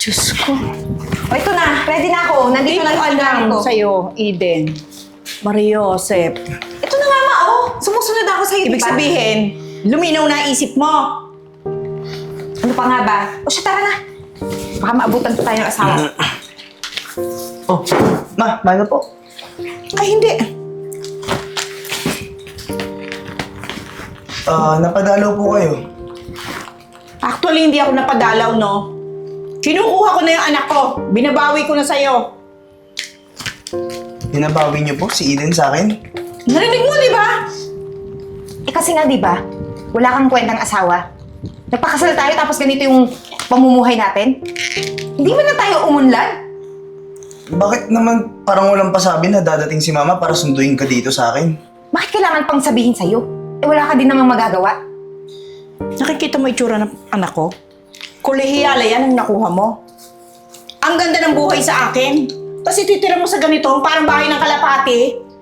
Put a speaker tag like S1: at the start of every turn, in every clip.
S1: Diyos ko.
S2: O ito na, ready na ako. Nandito na yung
S1: alam
S2: ko.
S1: sa'yo, Eden. Mariosep.
S2: Ito na nga ma, oh. Sumusunod ako sa'yo,
S1: Ibig
S2: diba?
S1: sabihin, luminaw na isip mo.
S2: Ano pa nga ba? O siya, tara na. Baka maabutan pa tayo ng asawa.
S3: Oh, ma, mana po.
S1: Ay, hindi.
S3: Napadalaw po kayo.
S1: Actually, hindi ako napadalaw, no? Kinukuha ko na yung anak ko. Binabawi ko na sa'yo.
S3: Binabawi niyo po si Eden sa akin.
S1: Narinig mo, di ba?
S2: Eh kasi nga, di ba? Wala kang kwentang asawa. Nagpakasal tayo tapos ganito yung pamumuhay natin. Hindi ba na tayo umunlad?
S3: Bakit naman parang walang pasabi na dadating si mama para sunduin ka dito sa akin?
S2: Bakit kailangan pang sabihin sa'yo? Eh wala ka din namang magagawa.
S1: Nakikita mo itsura ng anak ko? Kolehiyala yan ang nakuha mo. Ang ganda ng buhay sa akin. Tapos ititira mo sa ganito, parang bahay ng kalapati.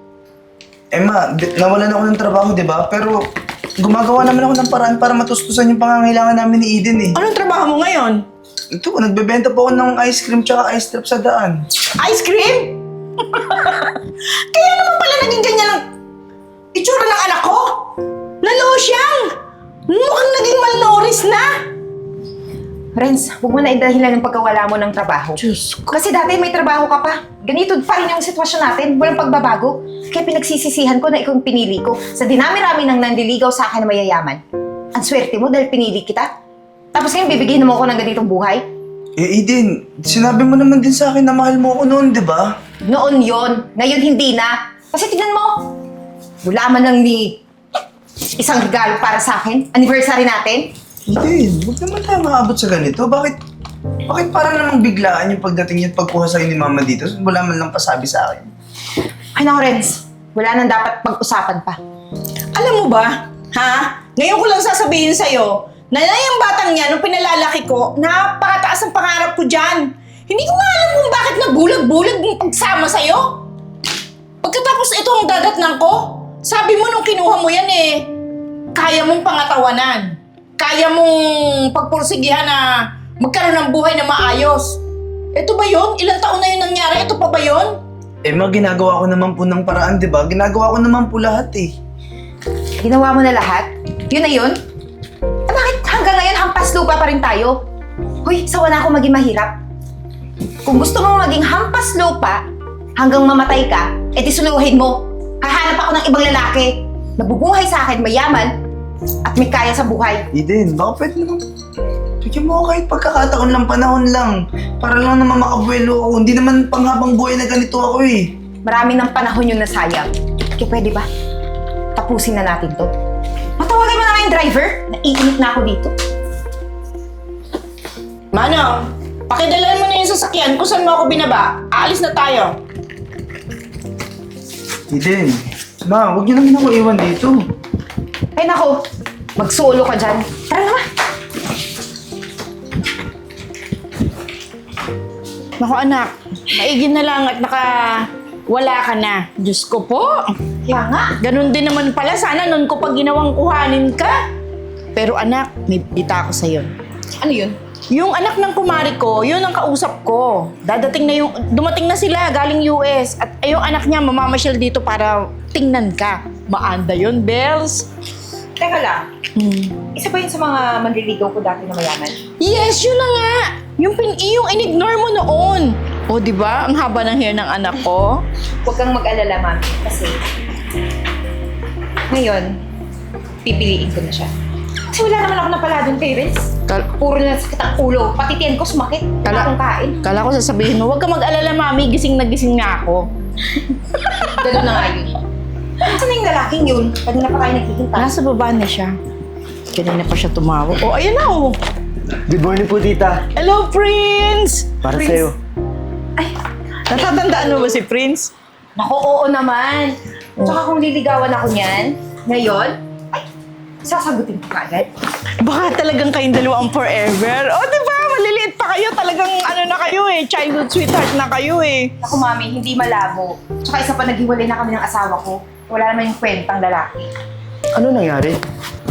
S3: Eh ma, nawalan ako ng trabaho, di ba? Pero gumagawa naman ako ng paraan para matustusan yung pangangailangan namin ni Eden eh.
S1: Anong trabaho mo ngayon?
S3: Ito, nagbebenta po ako ng ice cream tsaka ice trap sa daan.
S1: Ice cream? Kaya naman pala naging ganyan ang itsura ng anak ko. Lalo siyang mukhang naging malnourished na.
S2: Renz, huwag mo na idahilan ng pagkawala mo ng trabaho.
S1: Diyos ko.
S2: Kasi dati may trabaho ka pa. Ganito pa rin yung sitwasyon natin. Walang pagbabago. Kaya pinagsisisihan ko na ikaw yung pinili ko. Sa dinami-rami ng nandiligaw sa akin na mayayaman. Ang swerte mo dahil pinili kita. Tapos ngayon bibigyan mo ako ng ganitong buhay?
S3: Eh Eden, sinabi mo naman din sa akin na mahal mo ako noon, di ba?
S2: Noon yon, ngayon hindi na. Kasi tignan mo, wala man lang ni isang regalo para sa akin. Anniversary natin.
S3: Eden, huwag naman tayo maabot sa ganito. Bakit parang namang biglaan yung pagdating niya at pagkuha sa'yo ni mama dito? Wala man lang pasabi sa akin.
S2: Ay naku, Renz. Wala nang dapat pag-usapan pa.
S1: Alam mo ba, ha? Ngayon ko lang sasabihin sa'yo, na yung batang niya, nung pinalalaki ko, napakataas ang pangarap ko dyan. Hindi ko nga alam kung bakit nabulag-bulag yung pagsama sa'yo. Pagkatapos ito ang dadatnan ko, sabi mo nung kinuha mo yan eh, kaya mong pangatawanan. Kaya mong pagpursigihan na magkaroon ng buhay na maayos. Ito ba yun? Ilang taon na yun nangyari? Ito pa ba yun?
S3: Eh ma, ginagawa ko naman po ng paraan, di ba? Ginagawa ko naman po lahat eh.
S2: Ginawa mo na lahat? Yun na yun? Eh bakit hanggang ngayon hampas lupa pa rin tayo? Hoy, sawa na ako maging mahirap. Kung gusto mong maging hampas lupa hanggang mamatay ka, edi suluhin mo. Hahanap ako ng ibang lalaki. Nabubuhay sa akin, mayaman, at may kaya sa buhay.
S3: Eden, baka pwede naman. Bigyan mo ako kahit pagkakataon lang, panahon lang. Para lang naman makabuelo ako. Hindi naman panghabang buhay na ganito ako eh.
S2: Marami ng panahon yung nasayang. Kaya pwede ba? Tapusin na natin to. Matawagan mo na nga yung driver. Naiinit na ako dito.
S1: Manong, pakidalan mo na yung sasakyan kung saan mo ako binaba. Aalis na tayo.
S3: Eden, ma, huwag niyo naman ako iwan dito.
S2: Ay nako, mag-solo ka dyan. Tara naman.
S1: Naku anak, maigin na lang at wala ka na. Diyos ko po.
S2: Kaya nga.
S1: Ganun din naman pala. Sana nun ko pag ginawang kuhanin ka. Pero anak, may bita ko sa'yo.
S2: Ano yun?
S1: Yung anak ng kumari ko, yun ang kausap ko. Dumating na sila galing US. At yung anak niya mamamasyal dito para tingnan ka. Maanda yun, Bells.
S2: Teka lang. Isa ba yun sa mga manliligaw ko dati na mayaman?
S1: Yes, yun na nga. Yung in-ignore mo noon. O, di ba? Ang haba ng hair ng anak ko.
S2: Huwag kang mag-alala, mami. Kasi ngayon, pipiliin ko na siya. Kasi wala naman ako napala doon kay Renz. Puro na sakit ang ulo. Pati tiyan ko sumakit. Wala akong kain.
S1: Kala ko sasabihin mo, huwag ka mag-alala, mami. Gising na gising nga ako.
S2: Ganun na nga yun. Saan na yung lalaking yun? Kanina pa kayo naghihintay.
S1: Nasa baba na siya. Kanina pa siya tumawag. Oh, ayan na oh.
S4: Good morning po, tita.
S1: Hello, Prince!
S4: Para
S2: Prince.
S4: sa'yo.
S2: Ay,
S1: Natatandaan mo ba si Prince?
S2: naku, oo naman. Tsaka kung liligawan ako niyan, ngayon, ay, sasagutin ko kaagad.
S1: Baka talagang kayong dalawa ang forever. Oh, di ba? Maliliit pa kayo. Talagang ano na kayo eh. Childhood sweetheart na kayo eh.
S2: Naku, mami, hindi malabo. Tsaka isa pa naghiwalay na kami ng asawa ko. Wala naman yung kwentang lalaki.
S4: Ano nangyari?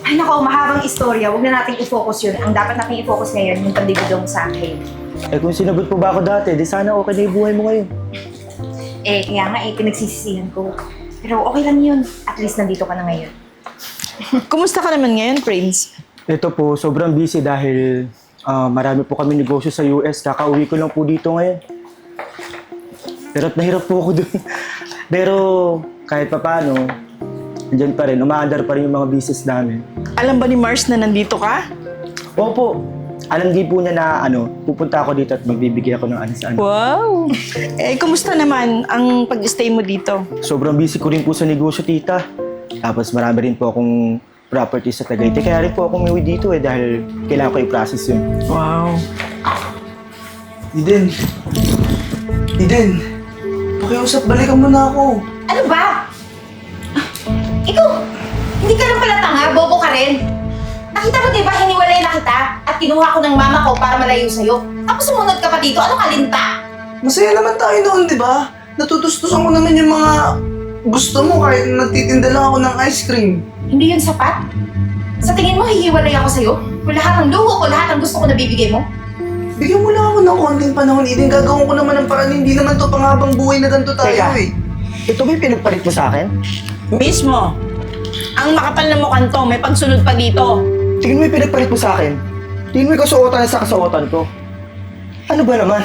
S2: Ay nako, mahabang istorya. Huwag na nating i-focus yun. Ang dapat nating i-focus ngayon, yung pandibidong sa akin.
S4: Eh kung sinagot po ba ako dati, di sana okay na yung buhay mo ngayon.
S2: Eh, kaya nga pinagsisisihan ko. Pero okay lang yun. At least nandito ka na ngayon.
S1: Kumusta ka naman ngayon, Prince?
S4: Ito po, sobrang busy dahil marami po kami negosyo sa US. Kakauwi ko lang po dito ngayon. Hirap na hirap po ako dun. Pero kahit papaano, andyan pa rin, umaandar pa rin yung mga business namin.
S1: Alam ba ni Mars na nandito ka?
S4: Opo, alam din po niya na pupunta ako dito at magbibigay ako ng ano sa ano.
S1: Wow! Eh, kumusta naman ang pag-stay mo dito?
S4: Sobrang busy ko rin po sa negosyo, tita. Tapos marami rin po akong property sa Tagaytay. Kaya rin po ako umuwi dito dahil kailangan ko i-process yun.
S1: Wow!
S3: Eden. Eden. Pakiusap, balikan mo na ako.
S2: Ano ba? Ikaw, hindi ka lang pala tanga, bobo ka rin. Nakita mo diba, hiniwalay na kita at kinuha ko ng mama ko para malayo sa'yo. Tapos sumunod ka pa dito, ano kalinta?
S3: Masaya naman tayo noon, di ba? Natutustusan ko naman yung mga gusto mo kahit nagtitinda lang ako ng ice cream.
S2: Hindi yun sapat? Sa tingin mo, hihiwalay ako sa'yo? Kung lahat ng luho ko, lahat ng gusto ko nabibigay mo?
S3: Bigyan mo lang ako ng konting panahon, Eden. Gagawin ko naman ng paraan. Hindi naman to panghabang buhay na ganito tayo
S4: Teka.
S3: eh.
S4: Ito ba yung pinagpalit mo sa akin?
S1: Mismo! Ang makapal na mukhang to, may pagsunod pa dito.
S4: Tingin mo yung pinagpalit mo sa akin? Tingin mo yung kasuotan sa kasuotan ko? Ano ba naman?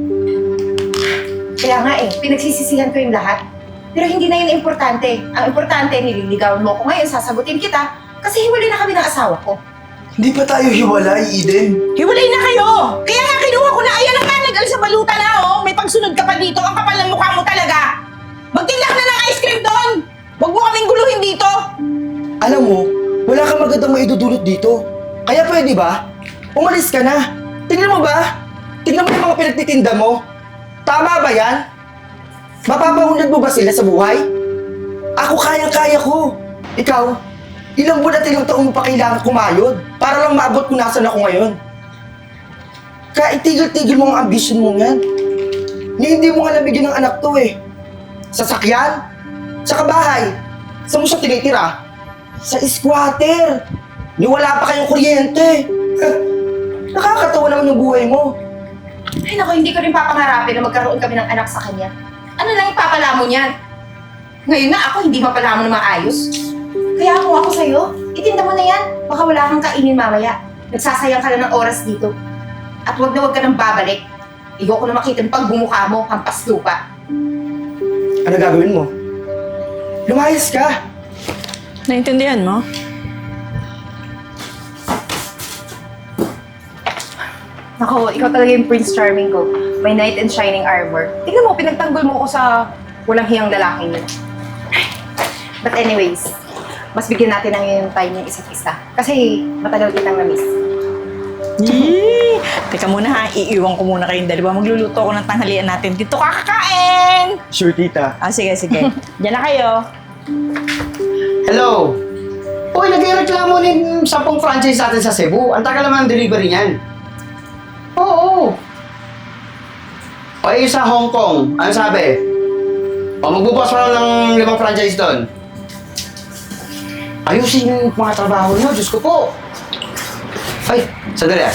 S2: Kaya nga pinagsisisihan ko yung lahat. Pero hindi na yun importante. Ang importante, nililigawan mo ko ngayon, sasagutin kita. Kasi hiwalay na kami ng asawa ko.
S3: Hindi pa tayo hiwalay, Eden.
S1: Hiwalay na kayo! Kaya nga kinuha ko na, ayan ang kanagal sa baluta na, oh! May pagsunod ka pa dito, ang kapal ng mukha mo talaga! Magtinda ka na ng ice cream doon! Huwag mo kaming guluhin dito!
S4: Alam mo, wala kang magandang maidudulot dito. Kaya pwede ba? Umalis ka na. Tingnan mo ba? Tingnan mo yung mga pinagtitinda mo. Tama ba yan? Mapapahunad mo ba sila sa buhay? Ako kayang-kaya ko. Ikaw, ilang buwan at ilang taon mo pa kailangan kumayod para lang maabot kung nasan ako ngayon. Kaya itigil-tigil mo ang ambisyon mo yan. Hindi mo nga nabigyan ng anak to eh. Sasakyan? Sa kabahay? Saan mo siya tinitira? Sa squatter! Ni wala pa kayong kuryente! Nakakatawa naman yung buhay mo.
S2: Ay naku, hindi ko rin papangarapin na magkaroon kami ng anak sa kanya. Ano lang yung papalamon niyan? Ngayon na ako, hindi mapalamon na maayos. Kaya kung ako sa'yo, itinda mo na yan. Baka wala kang kainin mamaya. Nagsasayang ka lang ng oras dito. At huwag na huwag ka nang babalik. Igo ko na makita yung pagbumukha mo, hampas lupa.
S4: Ano gagawin mo? Lumayas ka!
S1: Naintindihan mo?
S2: Nako, ikaw talaga yung Prince Charming ko. May knight in shining armor. Tignan mo, pinagtanggol mo ako sa walang hiyang lalaking yun. But anyways, mas bigyan natin ng yung time yung isa't isa. Kasi matagal kitang na-miss.
S1: Yee! Teka muna ha, iiwan ko muna kayong dalawa. Magluluto ako ng tanghalian natin. Dito ka kakain!
S4: Sure, tita.
S1: Ah, sige, sige. Diyan na kayo.
S5: Hello! Uy, nagreklamo ng 10 franchise natin sa Cebu. Ang tagal naman ang delivery niyan. Oo. O yung sa Hong Kong, ano sabi? O magbubukas mo lang ng 5 franchise doon. Ayusin yung mga trabaho niyo, Diyos ko po. Ay, sandali.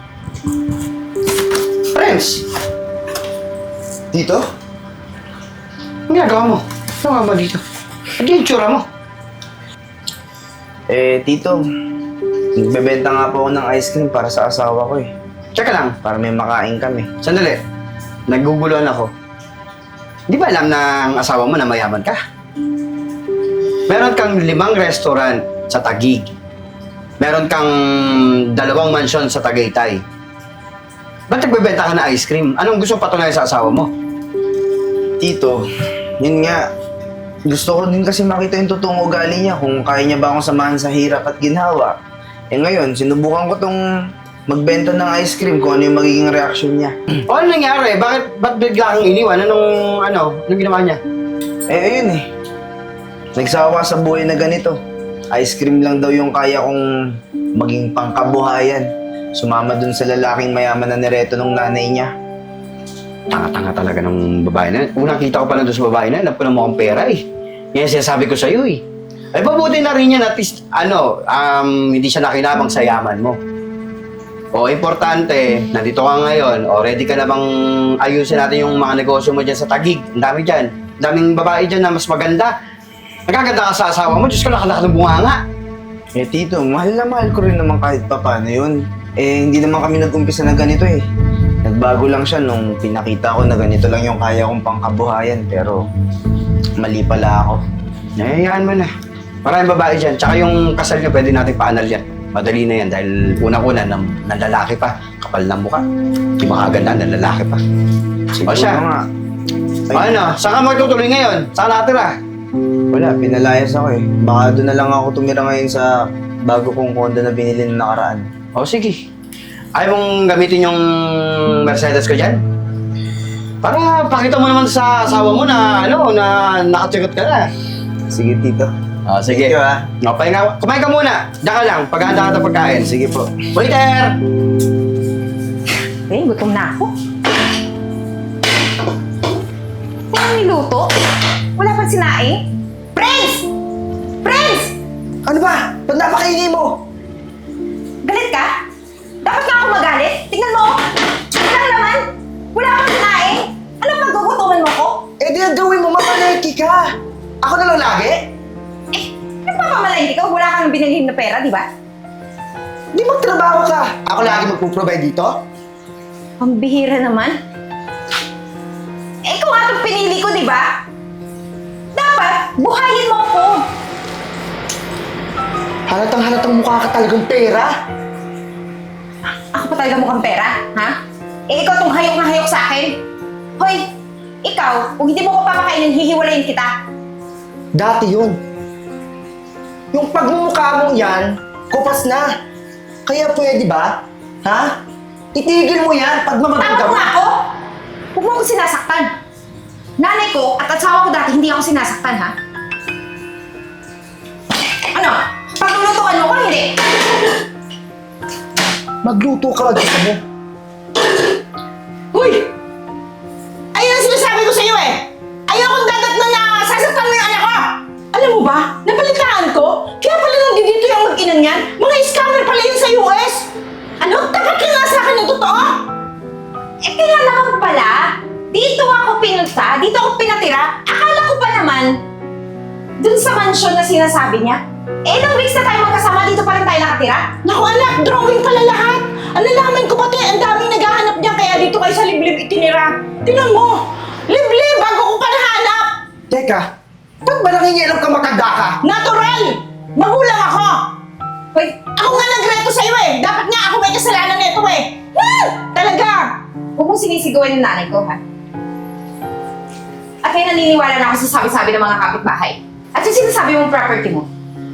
S5: Friends!
S3: Dito?
S5: Ang ginagawa mo? Ano nga ba dito? Ano yung tsura mo?
S3: Tito, nagbebenta nga po ako ng ice cream para sa asawa ko eh.
S5: Tsaka lang,
S3: Para may makain kami.
S5: sandali. Naguguluhan ako. Di ba alam ng asawa mo na mayaman ka? Meron kang 5 restaurant sa Taguig. Meron kang 2 mansyon sa Tagaytay. Ba't nagbebenta ka ng ice cream? Anong gusto patunayan sa asawa mo?
S3: Tito, yun nga. Gusto ko din kasi makita yung totoong ugali niya kung kaya niya ba akong samahan sa hirap at ginhawa. Ngayon, sinubukan ko tong magbenta ng ice cream kung ano yung magiging reaksyon niya.
S5: O ano nangyari? Ba't bigla kang iniwan? Anong ginawa niya?
S3: Ayun eh. Nagsawa sa buhay na ganito. Ice cream lang daw yung kaya kong maging pangkabuhayan. Sumama dun sa lalaking mayaman na nireto ng nanay niya.
S5: Tanga-tanga talaga ng babae na. Unang kita ko pa lang doon sa babae na, alam ko na mukhang pera eh. Yan sinasabi ko sa'yo eh. Ay, pabuti na rin yan at least, hindi siya nakinabang sa yaman mo. O, importante, nandito ka ngayon, o ready ka na bang ayusin natin yung mga negosyo mo dyan sa Taguig? Ang dami dyan. Ang daming babae dyan na mas maganda. Nagaganda ka sa asawa mo, Diyos ko, nakalaki ng bunganga.
S3: Eh tito, mahal na mahal ko rin naman kahit papaano yun. Eh hindi naman kami nag-umpisa na ganito eh. Nagbago lang siya nung pinakita ko na ganito lang yung kaya kong pangkabuhayan pero mali pala ako.
S5: Nahihayaan mo na. Maraming babae dyan. Tsaka yung kasal niyo, pwede natin paanal yan. Madali na yan dahil unang-una ng lalaki pa. Kapal ng mukha. Di makaganda ng lalaki pa. O siya,
S3: nga.
S5: ano, saan ka magtutuloy ngayon? Saan nakatira?
S3: Wala, pinalayas ako eh. Baka doon na lang ako tumira ngayon sa bago kong condo na binili ng nakaraan.
S5: O sige. Ayaw mong gamitin yung Mercedes ko dyan? Para pakita mo naman sa asawa mo na, na nakatsikot ka na.
S3: Sige tito.
S5: O sige.
S3: Thank you, ah.
S5: O, kumain ka muna. Diyan ka lang, paghahanda ka ng pagkain.
S3: Sige po.
S5: Waiter!
S2: Eh, gutom na ako. Walang niluto? Wala pang sinaing? Prince! Prince!
S4: Ano ba? Ba't napakaingay mo?
S2: Galit ka? Dapat nga ako magalit? Tingnan mo! Tingnan naman! Wala kang sinaing! Anong paggugutuman mo ko?
S4: Eh di ang gawin mo, mamaleki ka. Ako na lang lagi?
S2: Eh, nagpapamalayin ka? Wala kang binilhin na pera, di ba?
S4: Di magtrabaho ka. Ako lagi magpo-provide dito?
S2: Ang bihira naman. Eh, kung nga itong pinili ko, di ba? Dapat, buhayin mo ako.
S4: Halatang mukha ka talagang pera.
S2: Ako pa talaga mukhang pera, ha? Eh, ikaw tong hayok na hayok sa akin. Hoy, ikaw, kung hindi mo ko papakainin, hihiwalayin kita.
S4: Dati yun. Yung pagmumukha mong yan, kupas na. Kaya pwede ba? Ha? Itigil mo yan pag
S2: Tama
S4: mamaganda
S2: mo
S4: mo.
S2: nga ako! Huwag mo ako sinasaktan. Nanay ko at asawa ko dati hindi ako sinasaktan, ha? Ano? Paglulutuan mo ko, hindi?
S4: Magluto ka, gusto mo.
S1: Huy! Ayun ang sinasabi ko sa'yo eh! Ayokong dadatnan na sasaktan mo yung anak ko! Alam mo ba, nabalitaan ko, kaya pala nandito yung mag-inan yan, mga scammer pala yun sa US! Ano? Tapat ka nga sa akin ng totoo?
S2: Eh, kaya naman pala, dito ako pinunta, dito ako pinatira. Akala ko pa naman, dun sa mansion na sinasabi niya, eh, ilang weeks na tayo magkasama, dito pa rin tayo nakatira?
S1: Naku anak, drawing pala lahat! Ang nalaman ko pati, ang daming naghahanap niya kaya dito kayo sa liblib itinira. Tingnan mo! Liblib bago ko pa nahanap!
S4: Teka, ba't ba nangingialam ka makanda ka?
S1: Natural! Magulang ako!
S2: Hoy,
S1: Ako nga nagreto sa'yo eh! Dapat nga ako may kasalanan nito eh! Talaga!
S2: huwag mong sinisigawan yung nanay ko, ha? At kaya naniniwala na ako sa sabi-sabi ng mga kapitbahay. At yung sinasabi mong property mo,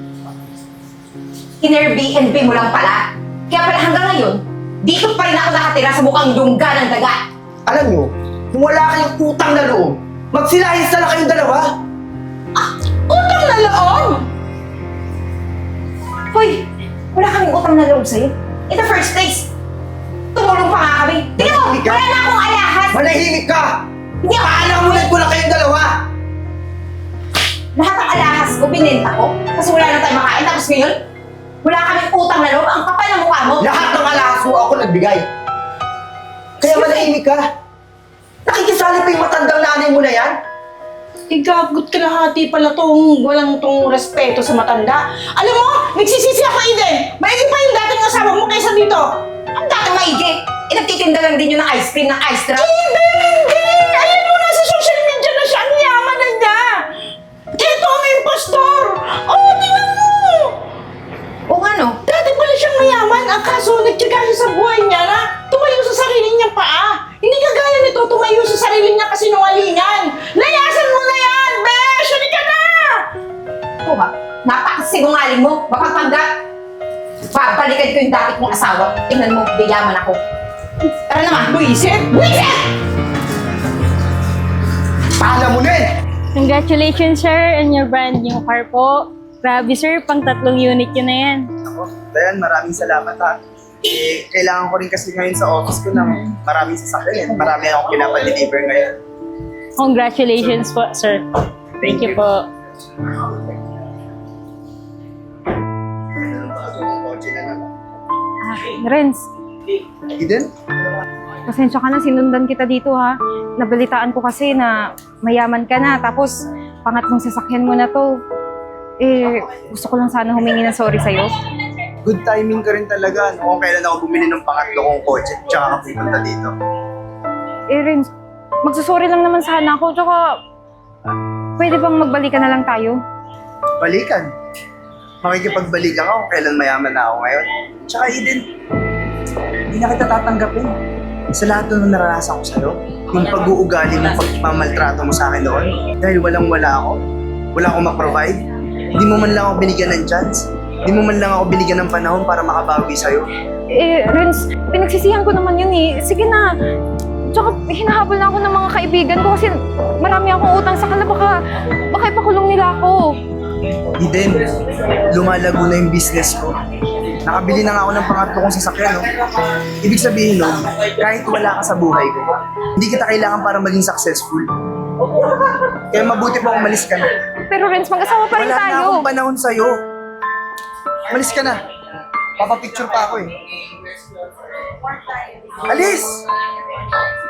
S2: in-Airbnb mo lang pala. Kaya pala hanggang ngayon, dito pa rin ako nakatira sa mukhang lungga ng daga.
S4: Alam nyo, kung wala kayong utang na loob, magsilahis na lang kayong dalawa.
S1: Utang na loob!
S2: Hoy, wala kaming utang na loob sa'yo. In the first place, tumulong pa nga kami. Tingnan mo,
S4: Manahimik ka.
S2: wala na akong alahas.
S4: Manahimik ka!
S2: Hindi ako
S4: Paalamunan ko lang kayong dalawa!
S2: Lahat ng alahas ko, binenta ko. Kasi wala na tayong makain. Tapos ngayon, wala kaming utang na loob. Ang kapal ng mukha mo.
S4: Lahat ng alahas mo ako nagbigay. Kaya manahimik ka. Nakikisali pa yung matandang nanay mo na yan?
S1: Igagot ka lahati pala tong walang tong respeto sa matanda. Alam mo, nagsisisi ako Eden. Maigi pa yung dating asawa mo kaysa dito.
S2: Ang dating maigi. Eh, nagtitinda lang din yun ng ice cream, ng ice drop.
S1: Eden, hindi! Ayan mo na sa social media na siya. Ang yaman na niya. Ito ang impostor. Oh, tingnan mo.
S2: O ano?
S1: Dati pala siyang mayaman. Ang kaso, nagtyaga siya sa buhay niya na tumayo sa sarili niyang paa. Hindi kagaya nito tumayo sa sarili niya kasi nungalingan. Layasan mo na yan, besh! Halika na!
S2: Ito ha? Napakasinungaling mo. Mapagpanggap. Babalikan ko yung dati kong asawa. Tingnan mo, bilaman ako.
S1: Tara naman, buisit! Buisit!
S4: Paalamunin!
S6: Congratulations, sir, on your brand new car po. Grabe, sir, pang 3 unit yun na yan.
S3: Ako, Dayan, maraming salamat ha. Eh, kailangan ko rin kasi ngayon sa office ko ng maraming sasakyan. Marami akong pinapa-deliver ngayon.
S6: Congratulations po, sir. Thank you po.
S2: Renz,
S3: Eden?
S2: pasensya ka na, sinundan kita dito ha. Nabalitaan ko kasi na mayaman ka na, tapos pangatlong sasakyan mo na to. Eh, gusto ko lang sana humingi ng sorry sa'yo.
S3: Good timing ka rin talaga. Kung kailan ako bumili ng pangatlo kong kotse, tsaka ka pupunta dito.
S2: Eh, Renz, magsusorry lang naman sana ako, tsaka pwede bang magbalikan na lang tayo?
S3: Balikan. Makikipagbalikan ka kung kailan mayaman na ako ngayon. Tsaka Eden, hindi na kita tatanggapin. Sa lahat ng naranasan ko sa'yo, yung pag-uugali mo, pagmamaltrato mo sa akin noon, dahil walang-wala ako, wala akong ma-provide, hindi mo man lang ako binigyan ng chance, hindi mo man lang ako binigyan ng panahon para makabawi sa'yo.
S2: Eh, Renz, pinagsisihan ko naman yun eh. Sige na. Tsaka hinahabol na ako ng mga kaibigan ko kasi marami akong utang sa kanila. Baka ipakulong nila ako.
S3: Eden, lumalago na yung business ko. Nakabili na nga ako ng pangatlo kong sasakyan, no? Ibig sabihin nun, kahit wala ka sa buhay ko, hindi kita kailangan para maging successful. Kaya mabuti pa umalis ka na.
S2: Pero Renz, mag-asawa pa rin
S3: Wala na
S2: tayo.
S3: akong panahon sa'yo. Umalis ka na. Papapicture pa ako eh. Alis!